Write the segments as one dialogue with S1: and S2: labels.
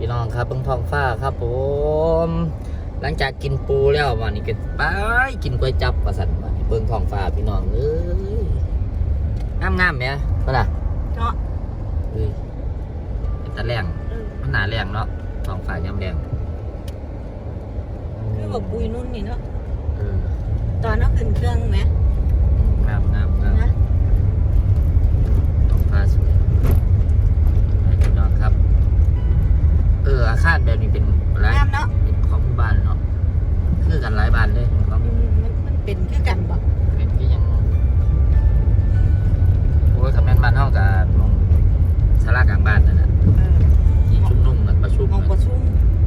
S1: พี่น้องครับเบิ่งท้องฟ้าครับผมหลังจากกินปูแล้ววันนี้ก็ไปกินก๋วยจั๊บว่าซั่นวันนี้เบิ่งท้องฟ้าพี่น้องเอ้ยงามๆแหมบ่ล่ะ
S2: เนาะ
S1: เอ้ยเป็นตาแรงมันหน้าแรงเนาะท้องฟ้ายามแรง
S2: คือแบบปุยนุ่นนี่เนาะ
S1: เออ
S2: ตอนนั้นขึ้นเครื่องไหม
S1: งามนะท้องฟ้าสวยพี่น้องครับอาคารแบบนี้เป็นอะไรเป็นของหมู่บ้านเนาะคือกันหลายบ้านเลยของ
S2: มันเป็นคือกันบ่
S1: เป็นที่ยังโอ้ยคำแม่นบ้านเท่ากับมองศาลากลางบ้านนั่นแหละที่ชุมนุมกันประชุม
S2: มองประชุม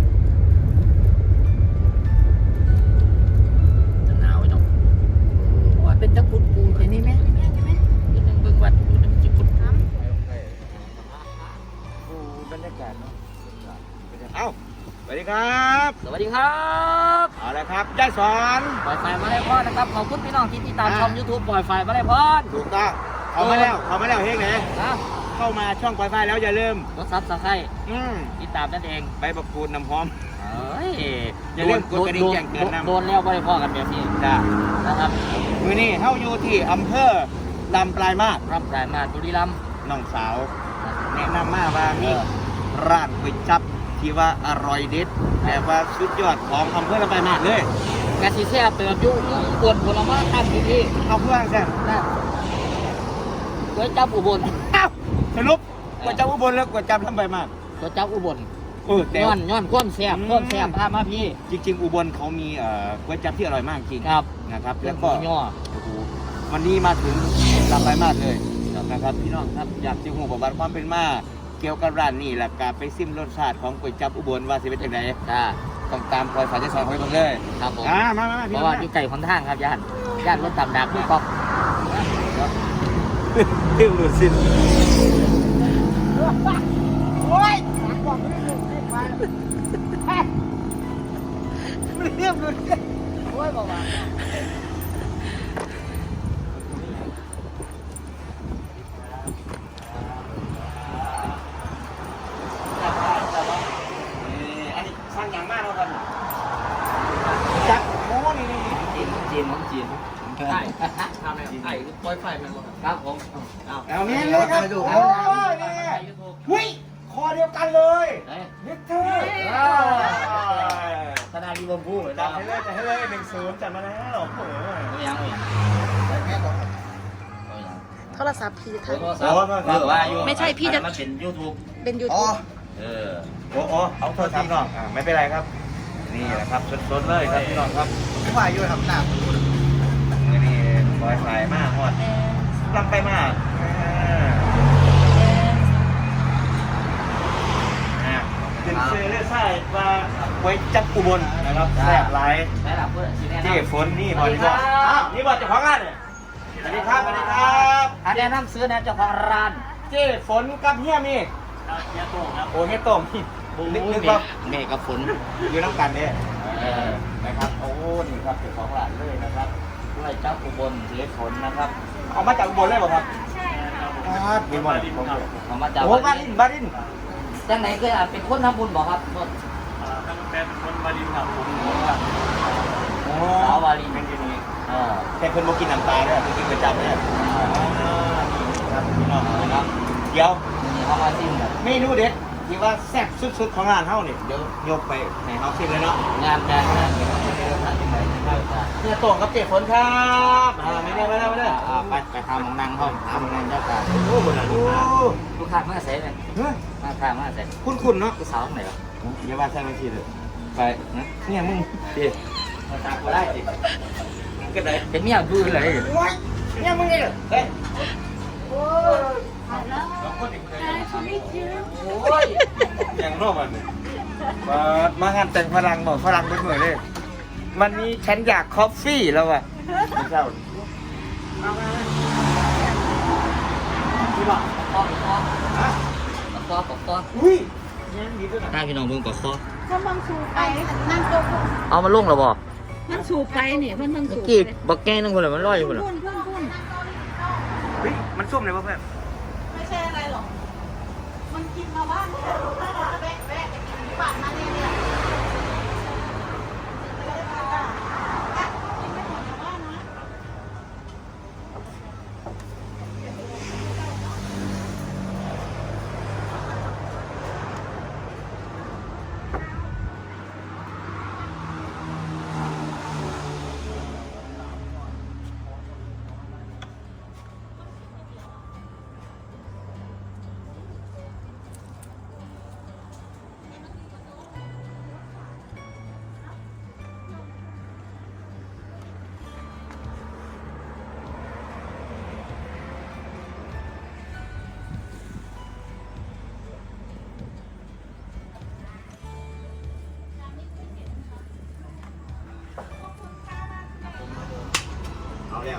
S1: จะหนาวไว้เนาะ
S2: วัดเป็นตะกุดปูอย่างนี้ไหมใช่ไหม
S1: เป็นหนึ่งเบิ่งวัดเป็นหนึ่งจุด
S2: น้ำ
S3: บรรยากาศเนาะเอ้าสวัสดีครับ
S1: สวัสดีครับ
S3: เอาละครับยายสอน
S1: ปล่อยไฟมาได้พอนะครับขอบคุณพี่น้องที่ติดตามช่อง YouTube ปล่อยไฟมาได้พอ
S3: ถูกต้องเข้ามาแล้วเฮ้ยไหน
S1: นะ
S3: เข้ามาช่องปล่อยไฟแล้วอย่าลืม
S1: กดซับสไครต์
S3: ม
S1: ติดตามนั่นเอง
S3: ใบบักคูดน้ำหอม
S1: อย่าลืมกดกระดิ่งแจ้งเตือนนะโดนแล้วไม่ได้พอกันแบบนี้
S3: จ้า
S1: นะครับ
S3: มือนี้เฮาอยู่ที่อำเภอลำปลายมาศ
S1: บุรีรัมย์
S3: น้องสาวแนะนำมาว่ามีร้านก๋วยจั๊บที่ว่าอร่อยเด็ดแต่ว่าสุดยอดของอำเภอลำปลายมาศเลย
S1: กะทิแซ่บเติมยุ่งปวดผลไม้ตั้งที่
S3: เอาเพื่อนแซ่บ
S1: ก๋วยจั๊บอุบล
S3: สรุปก๋วยจั๊บอุบลแล้วก๋วยจั๊บลำปลายมาศ
S1: ก๋วยจั๊บอุบล
S3: แต่
S1: ย้อนข้นแซ่บพามาพี่
S3: จริงๆอุบลเขามีก๋วยจั๊บที่อร่อยมากจริง
S1: ครับ
S3: นะครับแล้วก็วันนี้มาถึงลำปลายมาศเลยนะครับพี่น้องครับอยากจะหูประวัติความเป็นมาเกี่ยวกับร้านนี้แหละการไปซิมรสชาติของก๋วยจั๊บอุบลว่าสิเป็นยังไงต้องตามคอยสายใจสอนคอยเบิ่งเลย
S1: ครับผม
S3: มา
S1: เพราะว่าอยู่ไก่คนทางครับย่านรถตำดักไม่ป๊อก
S3: เรื่องหลุดสิ้นโอ้ยเรื่องหลุด
S1: โอ้ยบอกว่า
S3: จับโม้นี่
S1: จีนใช่ทำอะไรไอ้ปล่อยไฟมันครับผม
S3: เอาเนี้ยเลยครับโอ้ยนี่หุ้ยคอเดียวกันเลยนิดเท่
S1: ธนาดีบมพูด
S3: จับให้เลย1-0จับมาแล้วโอ้โห
S1: ยัง
S2: โทรศัพท์พี่ทัน
S1: ไม่ใช่พี่จะมันเป็นยูทูบ
S3: โอ้เอาโทษทีน้องไม่เป็นไรครับนี่แหละครับสดๆเลยครับพี่น้องครับผู้ว่าอยู่ทำหนักนี่ปล่อยสายมากฮอดลำไปมากเป็นเสื้อเลือดใส่มาไว้จับอุบลนะครับแซ่บไลท์ที่ฝนนี่บอลนี่บอลเจ้าของร้านเนี่ยสวัสดีครับ
S1: อันนี้น้ำซื้อนะเจ้าของร้าน
S3: เจ้ฝนกับเฮียมี
S1: เฮียโต้งครับ
S3: โอ้เฮียโต้งนึกว่า
S1: เมฆกับฝน
S3: อยู่น้ำกันเนี่ยนะครับโอ้นี่ครับเจ้าของร้านเลยนะครับ
S1: ด้วยเจ้าอุบลเสียฝนนะครับ
S3: เอามาจากอุบลเลยเหรอครับ
S2: ใช่
S3: ครับมีหมด
S1: เอามาจาก
S3: โอ้บาริน
S1: จังไหนเคยเป็นคนทำบุญบอกครับ
S3: ทั้งเป็นคนบารินครับผม
S1: สาวบาริน
S3: เป็นที่นี่แต่เพิ่นบ่กินน้ำตาเลยเพิ่นกินประจำเลยครับพี่น้องนะครับเดี๋ยว
S1: เขามาซิม
S3: เมนูเด็ดที่ว่าแซ่บสุดๆของร้านเฮาเนี่ยเดี๋ยวยกไปให้เฮาชิมเลยเนาะ
S1: งานการ
S3: เนี่ยโต่งกับเจ๊ฝนครับไม่ได้ไปทำมองนั่งห้องทำมองนั่งเจ้าการโอ้โห
S1: ลูกค้ามาเสร็จเลยมาค้ามาเสร็จ
S3: คุ้นเนาะ
S1: สาวไหนวะ
S3: อย่าว่าใช่ไม่ผิดเลยไปเนี่ยมึงดิ
S1: มาตามกูได้สิ
S3: ก็ได้
S1: เป็นเมียดูเลย
S3: เนี่ยมึงนี่เฮ้ย
S2: โอ้ย
S3: โอ้ยยังนอกมันมางานแต่งฝรั่งบอกฝรั่งเป็นเหมือนเลยมันนี้ฉันอยากคอฟฟี่แล้วอ่ะไม่เจ้า
S1: พี่บอกกอ
S3: อุ้ย
S1: ถ้าพี่น้องเบิ่งกอคอ
S2: ถ้าบังสูบไปนั่งตก
S1: เอามาลงหรอบ่
S2: มันสูบไปเนี่ยมันบังสูบ
S1: กีบบักแก้งนั่งคนละมันลอยอยู่คนละ
S3: เฮ้ยมันส้มเลยป่ะเพื่อน
S2: ไม่ใช่อะไรหรอกมันกินมาบ้าน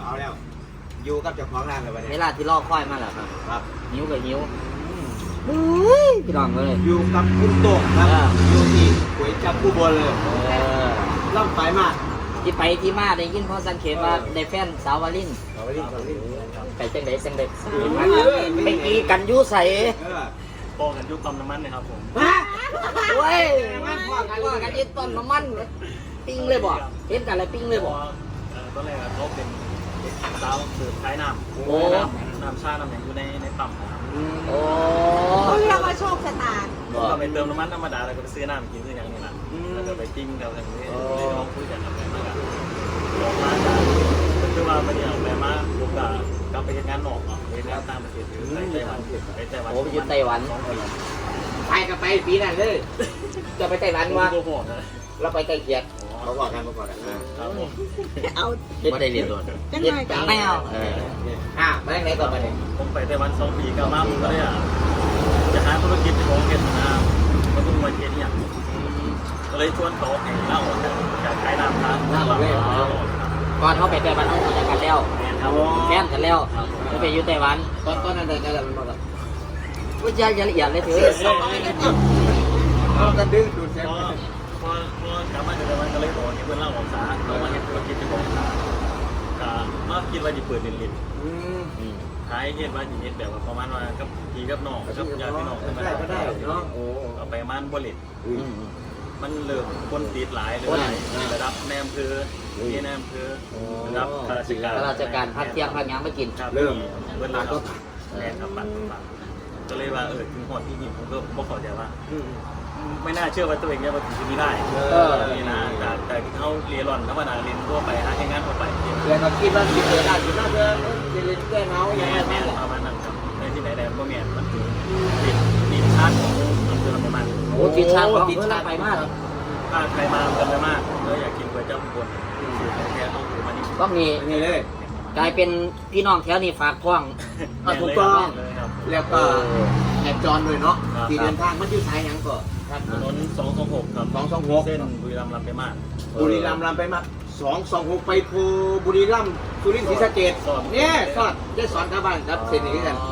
S3: เอาแล้วอยู่กับเจ้าของร้านเลยวัน
S1: เว
S3: นี้
S1: ลาที่รอคอยมาแล้วครับ
S3: ครับ
S1: หิวกับหิวพี่น้องเลย
S3: อยู่กับคุณโต้งครับอยู่ที่ก๋วยจับผู้บนเลย ล่ำไปมาก
S1: ที่ไปที่มาได้ยินพ่อสังเขตว่าได้แฟนสาววาลิน
S3: เอาไปดิเอาไปดิ
S1: ไปจังไดจังไดไปกีกันยุใส่
S4: โป้กันยุคปั๊มน้ำมันเลยครับผม
S1: โอ้ยว่ากันยึดต้นน้ำมันปิ้งเลยบ่เห็นกันแล้วปิ้งเลยบ่
S4: ตอนแรกเขาเป็นสาวสืบท้ายน้ำ
S1: โอ้
S4: น้ำชาน้ำอย่างอยู่ในปั๊มนะครับ
S1: โอ้
S2: เขาเรียกว่าโชคชะตา
S1: บ่
S4: ก็ไปเติมน้ำมันธรรมดาแล้วก็ไปซื้อน้ำกินซื้ออย่างนี้นะแล้วก็ไปปิ้งแถวนี้เลยลองคุยกันกับแม่มากลองมาจากคือว่าไม่ได้เอาแม่มาลูกกลับไปงานนอกไปงานต่างประเทศอยู่ไต้หวันไปไต้หวัน
S1: โอ้ไปอยู่ไต้หวัน
S4: 2 ปี
S1: ไปกันไปปีนั้นเลยจะไปไต้หวันวะ
S4: โอ้โหนะ
S1: เราไปไกลเกลียด
S3: เขาบอกกัน
S4: ครับผม
S2: เอา
S1: ไม่ได้เรียนโดน
S2: จัง
S1: เรียน
S2: ไง
S1: จังแมวไปไหนต่อไปเนี่ย
S4: ผมไปไต้หวัน 2 ปีกลับมาผมก็เลยจะหาธุรกิจของเวียดนามก็ต้องมาเทียนอย่างก็เลยชวนเขาให้เล่าจากขายน้ำร้าน
S1: ก่อนเขาไปไต้หวันเขารู้จักกันแล้ว
S4: ครับ
S1: แฟนกันแล้วเขาไปอยู่ไต้หวันตอนนั้นเดินกันแล้วมันบอกว่าวิจัยละเอียดเลยเถอะ
S3: เอากันดึงดูดเส้น
S4: พอกลับมาจากไต้หวันก็เลยบอกให้เพื่อนเล่าของสาเรามาเห็นธุรกิจของสาก็มาคิดว่าจะเปิดลินขายเห็นว่าอย่างนี้แบบว่าประมาณว่ากับพี่กับน้องกับญาติพี่น้อง
S3: ก็ได้เนาะโอ้
S4: เอาไปมันบริษมันเริ่มคนติดหลายเลยระดับแนมคือที่แนมคือระดับข้าราชการ
S1: ข้าราชการพักเที่ยงพักยังไม่กิน
S4: เริ่มเวลาก็แรงครับปั่นก็เลยว่าถึงหอดที่นี่ผมก็บอกขอใจว่าไม่น่าเชื่อว่าตัวเองจะมาถึงที่นี่ได้นี่นะแต่เขาเรียนหล่อนธรรมดาเรียนทั่วไปหาแค่งานทั่วไป
S3: แล้วก็คิดว่าสิเจอได้สิน่าจะเล่นแก้เงาอย่าง
S4: แม่
S3: นี้
S4: แม่ประมาณนั้นครับในที่ไหนแดนก็แม่มันถึงติดชาร์จของอำเภอลำปาง
S1: โอ้ติดชาติติดชาติไปมาก
S4: ถ้าใครมากันไปมากแล้วอยากกินก๋วยจั๊บอุบลสูตรแท้ๆต้องถือมานี่
S1: ก็มี
S3: นี่เลย
S1: กลายเป็นพี่น้องแถวนี้ฝากท้อง
S3: ถูกต้อง
S4: เลยครับ
S3: แล้วก็แอบจรด้วยเนาะที่เดินทางมันอยู่สายยังก่อน
S4: ถนน226ครับ
S3: 226
S4: เส้นบุรีรัมย์ลำไปมาก
S3: บุรีรัมย์ลำไปมา226ไปภูบุรีรัมย์สุรินทร์ศรีสะเกษเนี่ยสอดได้สอนชาวบ้านครับเส้นนี้กัน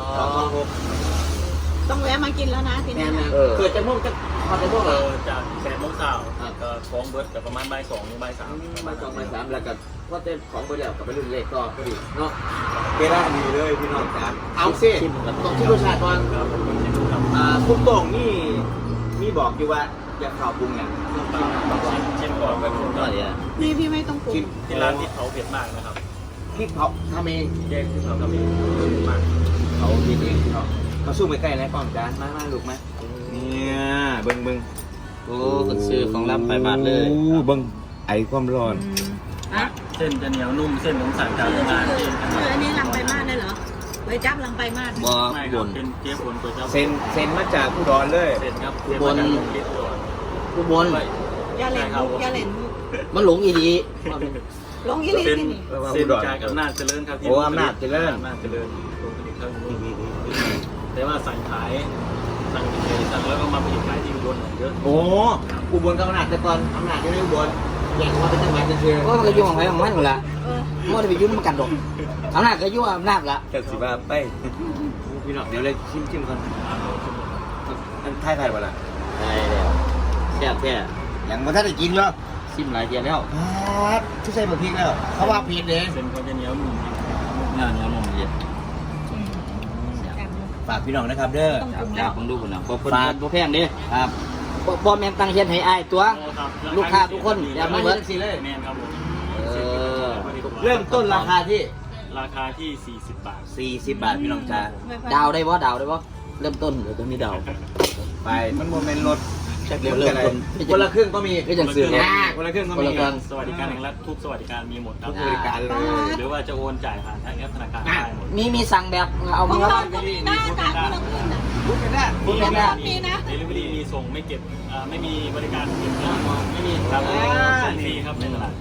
S3: 226
S2: ต้องแวะมากินแล้วนะที
S3: แน่
S2: นี้
S3: ๆเกิดจะม่วงจะพอจะม่วงเหรอ
S4: จาก8 โมงเช้าก็ท้องเบิร์ดกับประมาณบ่าย 2 ถึงบ่าย 3
S3: มา2 3แล้วก็ว่าจะของบริษัทกับไปรุ่นเลขก็พอดีเนาะเวลาดีเลยพี่น้องครับเอาสิต้องที่รสชาติก่อน
S4: ครับผมชิมดูครับ
S3: คุณโต่งนี่มีบอกอยู่ว่าอย่าข่าวปรุงอย่าง
S4: ชิมก่อนแบบนี้
S1: ก็เดี๋ยว
S2: นี่พี่ไม่ต้องปรุง
S4: ที่ร้านที่เขาเผ็ดมากนะครับ
S3: พริกเผาทำเอง
S4: แยกที่เขาทำเองเผ็ดมาก
S3: เขากินเองเขาสู้ไปใกล้แล้วป้อมจานมาลูกไหมเนี่ยเบิ้ง
S1: โอ้คนซื้อของรับไปบาทเลย
S3: เบิ้งไอความร้อน
S2: อ่ะ
S4: เส้นจะเหนียวนุ่มเส้นของสั่งจากโรงงานเองนะค
S2: คือ
S4: รับ
S2: อันนี้ลังไปมากเลยเหรอไปจับลังไปมาก
S1: บ่
S4: ไม่ค
S1: บ
S4: รับ
S1: น
S4: เป็นเจ๊ฝนก๋วยจั๊บ
S3: เซนมาจากอุดรเลย
S4: เส้นครับเส้นมาจากโรงลิตรอุดร
S1: ผู้บน
S2: อย่าเล่นมุกอย่าเล่นมุก
S1: มันหลงอีดี
S2: ลงยี่ลี
S4: เส้น
S2: ที่นี่
S4: เส้นจากอำนาจเจริญครับที่
S3: โอ้อำนาจเจริญ
S4: อำนาจเจริญลงผลิตข้าวนุ่มแต่ว่าสั่งขายสั่งแล้วก็มาผลิตขายที่อุบลเยอะ
S3: โอ้อุบลกับอำนาจแต่ก่อนอำนาจยังไม่อุบลแยกมาเป็นจังหวัดเฉย
S1: ก็มันก็ยุ่งของใครของมันอยู่ละ
S2: เออ
S1: มันจะไปยุ่งมันกันดอกอำนาจก็ยุ่งอำนาจละ
S3: ๆจัดสิบ้าไปพี่น้องเดี๋ยวเลยชิมก่อนอันไทยป่ะล่ะ
S1: ได้แล้วแซ่บแท้
S3: ยังมาท่านได้กินเหรอ
S1: ซิมหลายเดียวแล้ว
S3: ครับที่ใส่บะพริกแล้วเขาว่าผิดเอง
S4: เส้นเขาจะเหนียวนุ่ม
S1: เนื้อนมเย็น
S3: ฝากพี่น้องนะครับเด้อ
S1: จากผมดูคนนะบ่แพงเด้
S3: ครับ
S1: บ่แม่นตั้งเฮ็ดให้อ้ายตัว ลูกค้าทุกคนอย่ามาเบิด
S3: สิเลย
S4: แม่นครับผม
S3: เริ่มต้นราคาที่
S4: ราคาที่40 บาท
S3: 40 บาทพี่น้องจ้า
S1: ดาวได้บ่ดาวได้บ่เริ่มต้นเดี๋ยวต้องมีดาว
S3: ไปมันโมเมนต์รถ
S1: เริ่มต้น
S3: คนละครึ่งก็มี
S1: ก็จังซื้อรถ
S3: คนละครึ่งก็
S1: คน
S3: มี
S1: ละครึ่ง
S4: สวัสดิการแห่งรัฐทุกสวัสดิการมีหมดครับ
S3: บริการเลย
S4: หรือว่าจะโอนจ่ายผ่านทางแอปธนาคารได้หมด
S1: มีสั่งแบบเอา
S2: ข
S1: มา
S2: อง
S1: แล้ว
S2: เราต้องมีหน้าตาคนละครึ่งนะ
S3: พูดกันได้
S1: พูดกันได้
S2: มีนะ
S4: เดลิเวอรี่มีส่งไม่เก็บไม่มีบริการเก็บเงินไม่มีครับส่งฟรีครับในตลาด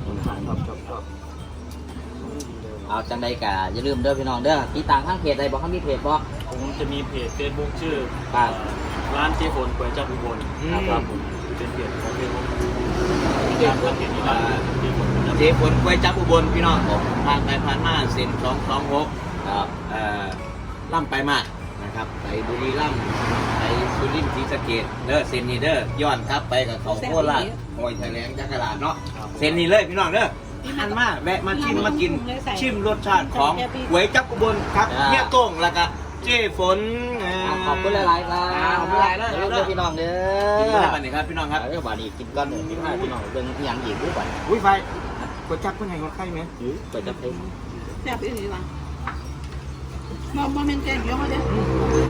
S1: เอาจังใดกะอย่าลืมเด้อพี่น้องเด้อติดตามทางเพจใดบ่เขามีเพจบ่
S4: ผมจะมีเพจ Facebook ชื่อ
S1: ครับ
S4: ร้านเจ๊ฝนก๋วยจั๊บอุบลครับผมเป็นเพจของเฟซบุ๊กการทำเพจนี้ได้เจ๊ฝนก๋วยจั๊บ
S3: เจฝนก๋วยจั๊บอุบลพี่น้องผ่านไปผ่านมาเส้น226
S1: ครับ
S3: ล่ำไปมากนะครับไปบุรีรัมย์ไปสุรินทร์ศรีสะเกษเด้อเส้นนี้เด้อย้อนครับไปกับเขาโคราชหอยแถลงจักรลาดเนาะเส้นนี้เลยพี่น้องเด้ออันมาแวะมาชิมมากินชิมรสชาติของก๋วยจั๊บอุบลครับเนี่ยโต้งแล้วก็เจฝน
S1: ขอบคุณหลายๆครับ
S3: ขอบคุณหลายๆเด้อ
S1: เด้อพี่น้องเด้
S3: กิน
S1: อ
S3: กันได้ครับพี่น้องครับ
S1: เออบาดนี้กินก้อนเด้อพี่น้องเบิ่งอีหยังอีกดูก่อน
S3: อุ้ยไฟก๋วยจั๊บเพิ่นให้คนไข้ไหม
S1: เปิดจับเอง
S2: แซ่บอีหลีว่ะบ่แม่นแกงเขียวมาเด้อ